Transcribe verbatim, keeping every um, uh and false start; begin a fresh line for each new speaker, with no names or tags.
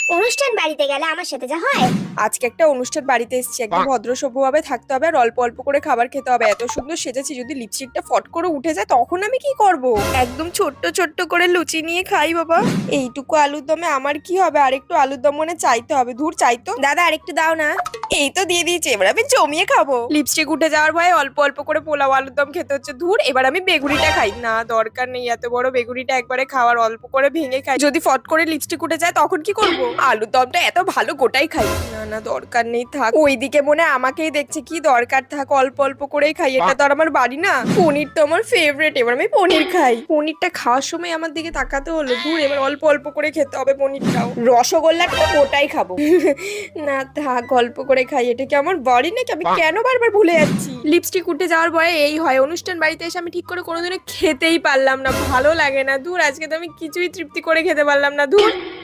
অনুষ্ঠান বাড়িতে গেলে আমার সাথে যা হয়।
আজকে একটা অনুষ্ঠান বাড়িতে এসেছি, একদম ভদ্র সভ্যভাবে থাকতে হবে আর অল্প অল্প করে খাবার খেতে হবে। এত সুন্দর সেজেছি, যদি লিপস্টিকটা ফট করে উঠে যায় তখন আমি কি করব? একদম ছোট্ট ছোট্ট করে লুচি নিয়ে খাই বাবা। এইটুকু আলুর দমে আমার কি হবে? আরেকটু আলুর দম মনে চাইতে হবে। ধুর, চাইতো দাদা আরেকটু দাও না। এই তো দিয়ে দিয়েছে, এবার আমি জমিয়ে খাবো। লিপস্টিক উঠে যাওয়ার ভয়ে অল্প অল্প করে পোলাও আলুর দম খেতে হচ্ছে। ধুর, এবার আমি বেগুনিটা খাই না, দরকার নেই এত বড় বেগুনিটা একবারে খাওয়ার, অল্প করে ভেঙে খাই। যদি ফট করে লিপস্টিক উঠে যায় তখন কি করব? আলুর দমটা এত ভালো গোটাই খাই। না না, দরকার নেই, থাক। ওইদিকে মনে হয় আমাকেই দেখছে, কি দরকার, থাক, অল্প অল্প করেই খাই। এটা তো আর আমার বাড়ি না। পনির তো আমার ফেভারিট, এবার আমি পনির খাই। পনিরটা খাওয়ার সময় আমার দিকে তাকাতে হলো। ধুর, এবার অল্প অল্প করে খেতে হবে পনিরটাও। রসগোল্লাটা গোটাই খাবো। না থাক, অল্প করে খাই। এটা কি আমার বাড়ি নাকি? আমি কেন বারবার ভুলে যাচ্ছি? লিপস্টিক উঠে যাওয়ার ভয়ে এই হয়, অনুষ্ঠান বাড়িতে এসে আমি ঠিক করে কোনোদিনও খেতেই পারলাম না, ভালো লাগে না। ধুর, আজকে তো আমি কিছুই তৃপ্তি করে খেতে পারলাম না। ধুর।